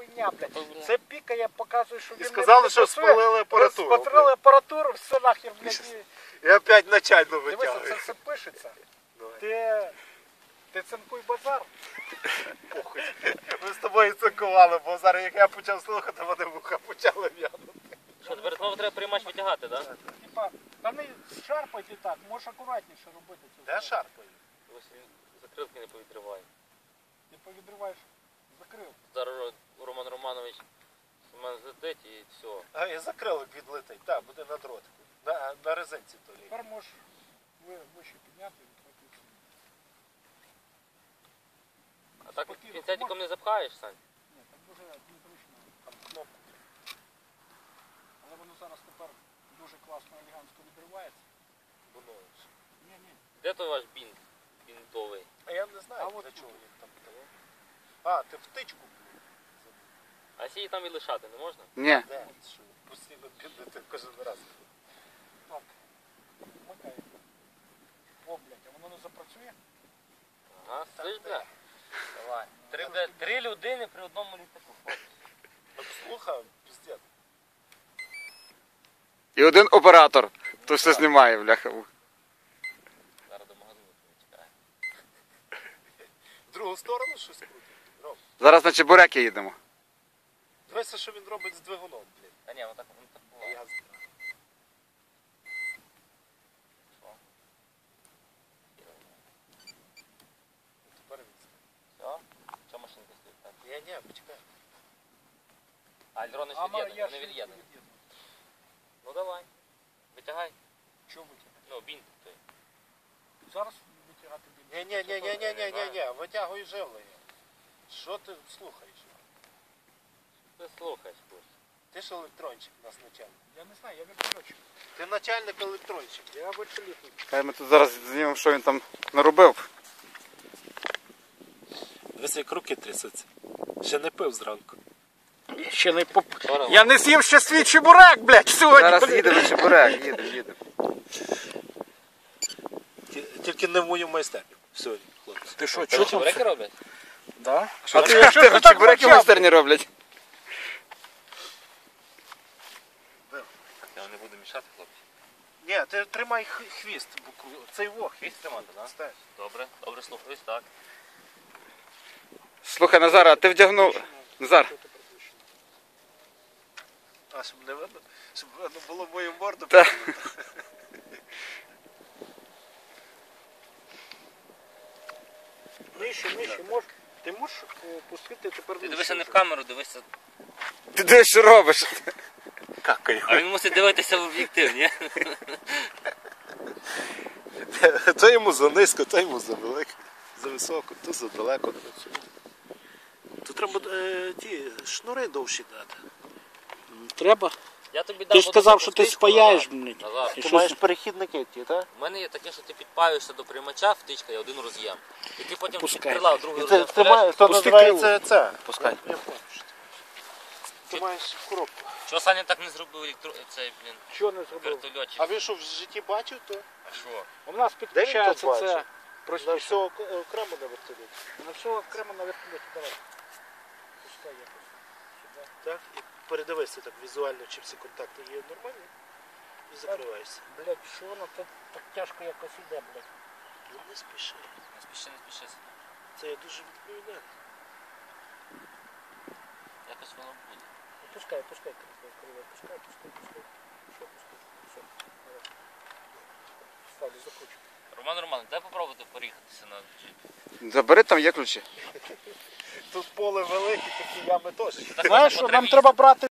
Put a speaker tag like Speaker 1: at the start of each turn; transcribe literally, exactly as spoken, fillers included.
Speaker 1: хуйня, блядь. Це пікає, показує, що він
Speaker 2: І сказали, що спалили апаратуру.
Speaker 1: Спалили апаратуру, все нахер, блядь.
Speaker 2: І опять начально
Speaker 1: Дивися,
Speaker 2: витягує.
Speaker 1: це все пишеться. Ти, ти цинкуй базар.
Speaker 2: Похуй. Ми з тобою цинкували, бо зараз як я почав слухати, вони вуха почали в'янути.
Speaker 3: Що, тепер знову треба приймач витягати, так? Да?
Speaker 1: Типа, та не шарпайте так, можеш акуратніше робити цю.
Speaker 2: Де шарпаю?
Speaker 3: Ось він закрилки не повідриває.
Speaker 1: Ти повідриваєш, закрив.
Speaker 3: Зараз Роман Романович з мене злетить і все.
Speaker 2: А, і закрилок відлетить. Так, буде на дротику. На, на резинці то лі.
Speaker 1: Тепер можеш ви, вище підняти і відкрити.
Speaker 3: А так
Speaker 1: Спокійно,
Speaker 3: пінцетиком не запхаєш, Сань?
Speaker 1: Ні, так дуже незручно. Там кнопку. Але воно зараз тепер дуже класно, елегантно відривається.
Speaker 2: Воно ж.
Speaker 1: Ні, ні.
Speaker 3: Де той ваш бінт? Бінтовий.
Speaker 2: А я не знаю,
Speaker 1: А
Speaker 2: для
Speaker 1: от
Speaker 2: чого
Speaker 1: тут.
Speaker 2: він там того. А, ти втичку.
Speaker 3: А сі там і лишати не можна?
Speaker 4: Ні.
Speaker 2: Де? Що постійно бідати кожен раз.
Speaker 1: Так. Вмикай. О, блядь, а воно не запрацює?
Speaker 3: Ага, слиш, бля? Давай. Три, бля, три людини при одному літаку.
Speaker 2: Так слухай, піздець.
Speaker 4: І один оператор, то все знімає, бляха.
Speaker 3: Зараз до магазину чекає.
Speaker 2: В другу сторону щось крутить. Ром,
Speaker 4: Зараз на Чебуреки їдемо.
Speaker 2: дивися, що він робить з двигуном, блін.
Speaker 3: Та ні, воно так, воно так буває.
Speaker 2: Я знаю.
Speaker 3: Що?
Speaker 2: Тепер він.
Speaker 3: Все? Що машинка стоїть так?
Speaker 2: Ні, ні, почекай.
Speaker 3: А альрони ж
Speaker 1: А, ма-
Speaker 3: від'єднані,
Speaker 1: я
Speaker 3: вони
Speaker 1: ж
Speaker 3: від'єднані.
Speaker 1: від'єдную.
Speaker 3: Ну давай. Витягай.
Speaker 1: Чого витягати?
Speaker 3: Ну, бінт той.
Speaker 1: Зараз витягати більше.
Speaker 2: Ні, ні, ні, ні, ні, ні, ні, ні, витягуй живлення. Що ти слухаєш?
Speaker 3: Ти слухаєш, курс.
Speaker 2: Ти ж електрончик у нас начальник.
Speaker 1: Я не знаю, я вертольотчик.
Speaker 2: Ти начальник електрончик.
Speaker 1: Я вертольотник.
Speaker 4: Хай ми тут зараз знімемо, що він там наробив.
Speaker 2: Дивись, як руки трясуться. Ще не пив зранку.
Speaker 1: Ще не поп...
Speaker 3: Здорово.
Speaker 1: Я не з'їв ще свій чебурек, блядь, сьогодні.
Speaker 4: Зараз
Speaker 1: блядь.
Speaker 4: їдемо на Чебурек, їдемо, їдемо.
Speaker 2: Тільки не в мою майстерню сьогодні, хлопці.
Speaker 1: Ти що,
Speaker 3: Що
Speaker 1: чого?
Speaker 3: чебуреки роблять?
Speaker 1: Да?
Speaker 4: А
Speaker 1: ти- що ти
Speaker 4: ти
Speaker 1: так
Speaker 4: Чебуреки в
Speaker 1: мовчав?
Speaker 4: майстерні роблять.
Speaker 3: Я не буду мішати, хлопці.
Speaker 2: Ні, ти тримай х- хвіст, бо кру- цей во хвіст.
Speaker 3: Хвіст тримати, так?
Speaker 2: Стань.
Speaker 3: Добре, добре слухаюсь, так.
Speaker 4: Слухай, Назар, а ти вдягнув... Назар,
Speaker 2: А, щоб не видно? Щоб видно було мою морду.
Speaker 4: Та.
Speaker 1: Нижче, нижче, мож... Ти можеш е, пустити тепер
Speaker 3: Ти
Speaker 1: нижче
Speaker 3: дивися не в
Speaker 1: вже.
Speaker 3: камеру, дивися.
Speaker 4: ти де що робиш?
Speaker 2: Какаю.
Speaker 3: А він мусить дивитися в об'єктив, ні?
Speaker 2: То йому за низько, то йому за велико. За високо, то за далеко. Тут треба е, ті шнури довші дати.
Speaker 1: Треба.
Speaker 3: Я тобі дам
Speaker 1: Ти ж
Speaker 3: одну
Speaker 1: сказав, що ти
Speaker 3: втичку,
Speaker 1: спаяєш,
Speaker 3: Назар.
Speaker 1: блядь.
Speaker 3: Назар,
Speaker 1: Ти
Speaker 2: Ти
Speaker 1: що
Speaker 2: маєш
Speaker 1: з-
Speaker 2: перехідники ті, так?
Speaker 3: у мене є таке, що ти підпаюєшся до приймача, втичка і один роз'єм. І ти потім
Speaker 1: Пускай.
Speaker 3: під крила другий
Speaker 2: І це,
Speaker 3: роз'єм
Speaker 2: це,
Speaker 3: вставляєш.
Speaker 2: має, то
Speaker 1: Пусти
Speaker 2: називається це.
Speaker 4: Пускай.
Speaker 2: Я, я понял, що ти. Ти маєш коробку.
Speaker 3: Чого Саня так не зробив електро... цей, блін,
Speaker 1: Чого не зробив?
Speaker 3: вертольотчик?
Speaker 2: А ви що в житті бачив, то
Speaker 3: А що?
Speaker 1: У нас
Speaker 2: Де він
Speaker 1: підключається
Speaker 2: тут
Speaker 1: це
Speaker 2: бачив? на
Speaker 1: простіше.
Speaker 2: все ок- окремо на вертольоті.
Speaker 1: На все окремо на вертольоті. Давай. Пускай якось. Сюди.
Speaker 2: Так? І передивися так візуально, чи всі контакти є нормальні. І закриваєшся.
Speaker 1: Блядь, що воно так, так тяжко якось іде, блядь.
Speaker 2: Ну не спіши.
Speaker 3: Не спіши, не спіши.
Speaker 2: Це я дуже відповідальний.
Speaker 3: Якось воно буде.
Speaker 1: Пускай, пускай, криве, криве, пускай, пускай, пускай. Що пускай? Все. Давай. Ставлю, закручу.
Speaker 3: Роман Романович, дай попробувати поріхатися на джипі.
Speaker 4: Забери, там є ключі.
Speaker 2: Тут поле велике, такі ями теж.
Speaker 3: Так
Speaker 1: Знаєш,
Speaker 3: по
Speaker 1: що нам
Speaker 3: траві.
Speaker 1: треба брати